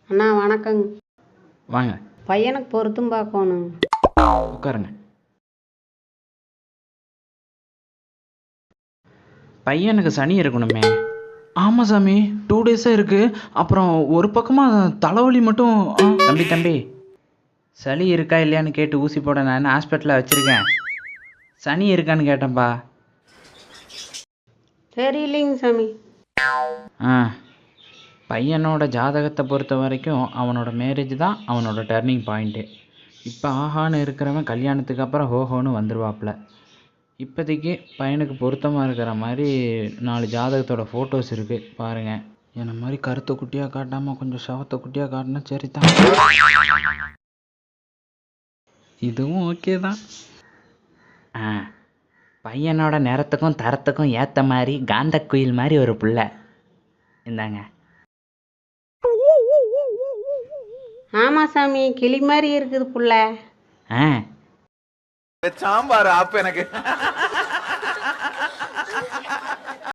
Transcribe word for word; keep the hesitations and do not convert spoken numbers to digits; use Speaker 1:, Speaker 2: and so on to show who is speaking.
Speaker 1: அண்ணா வணக்கங்க.
Speaker 2: வாங்க
Speaker 1: பையனுக்கு பொருத்தம் பார்க்கணும்.
Speaker 2: உட்காருங்க. பையனுக்கு சனி இருக்கணுமே. ஆமாம் சாமி, டூ டேஸாக இருக்குது. அப்புறம் ஒரு பக்கமாக தலைவலி மட்டும். ஆ, தம்பி தம்பி சளி இருக்கா இல்லையான்னு கேட்டு ஊசி போட நான் ஹாஸ்பிட்டலில் வச்சுருக்கேன். சனி இருக்கான்னு கேட்டேன்ப்பா.
Speaker 1: தெரியலைங்க சாமி.
Speaker 2: ஆ, பையனோட ஜாதகத்தை பொறுத்த வரைக்கும் அவனோட மேரேஜ் தான் அவனோட டர்னிங் பாயிண்ட்டு. இப்போ ஆஹான்னு இருக்கிறவன் கல்யாணத்துக்கு அப்புறம் ஹோஹோன்னு வந்துடுவாப்புல. இப்போதைக்கு பையனுக்கு பொருத்தமாக இருக்கிற மாதிரி நாலு ஜாதகத்தோட ஃபோட்டோஸ் இருக்குது பாருங்கள். என்ன மாதிரி கருத்தை குட்டியாக காட்டாமல் கொஞ்சம் சவத்தை குட்டியாக காட்டினா சரி தான். இதுவும் ஓகே தான். ஆ, பையனோட நிறத்துக்கும் தரத்துக்கும் ஏற்ற மாதிரி காந்த குயில் மாதிரி ஒரு புள்ள. இந்தாங்க.
Speaker 1: ஆமாம் சாமி, கிளி மாதிரி இருக்குது புள்ள.
Speaker 2: ஆ,
Speaker 3: சாம்பார் ஆப்பு எனக்கு